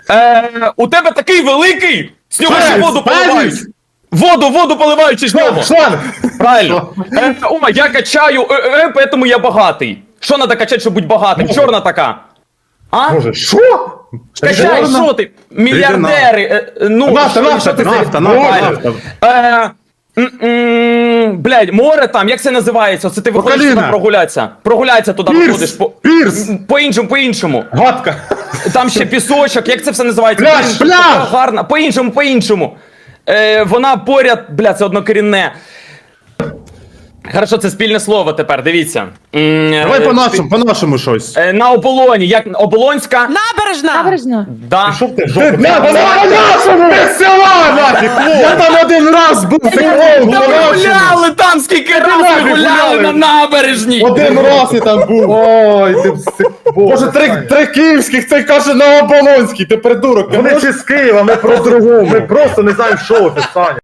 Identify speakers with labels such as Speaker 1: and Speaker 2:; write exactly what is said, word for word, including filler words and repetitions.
Speaker 1: Е, у тебе такий великий, з нього ще воду поливають. Воду, воду поливають з нього.
Speaker 2: Шланг!
Speaker 1: Правильно. Е, о, я качаю, е, е, поэтому я багатий. Що надо качати, щоб бути багатим? Чорна така. А?
Speaker 2: Боже, що?
Speaker 1: Качай, що ти? Мільярдери. е, е, Ну,
Speaker 2: Нафта,
Speaker 1: що-
Speaker 2: нафта,
Speaker 1: що ти
Speaker 2: нафта,
Speaker 1: це-
Speaker 2: нафта,
Speaker 1: Правильно.
Speaker 2: нафта.
Speaker 1: Е, м, м, Блядь, море там, як це називається? Це ти виходиш
Speaker 2: Поколіна.
Speaker 1: туди прогулятися. Прогулятися туди
Speaker 2: Пірс,
Speaker 1: виходиш. По-
Speaker 2: пірс.
Speaker 1: По-іншому, по-іншому.
Speaker 2: Гадка.
Speaker 1: Там ще пісочок, як це все називається?
Speaker 2: Пляж,
Speaker 1: Блін,
Speaker 2: пляж!
Speaker 1: така гарна. По-іншому, по-іншому. Е, вона поряд, бля, це однокорінне. Хорошо, це спільне слово тепер, дивіться. М,
Speaker 2: Давай
Speaker 1: е,
Speaker 2: по-нашому, по-нашому щось.
Speaker 1: е, На оболоні, як Оболонська?
Speaker 3: Набережна!
Speaker 4: Набережна.
Speaker 1: Да.
Speaker 2: Що ти, жопу? На, по-нашому! Без села, нафіг! Я там один раз був, це клоун,
Speaker 1: Та ми
Speaker 2: по-нашому!
Speaker 1: гуляли там, скільки раз ми
Speaker 2: нахуй
Speaker 1: гуляли
Speaker 2: гуляли?
Speaker 1: на набережній.
Speaker 2: Один раз я там був.
Speaker 5: Ой, ти пси-
Speaker 2: Боже, три, три київських, цей каже на Оболонський, ти придурок. ти
Speaker 5: Вони
Speaker 2: можеш-
Speaker 5: чи з Києва, ми про другу, ми просто не знаємо, що це, Саня.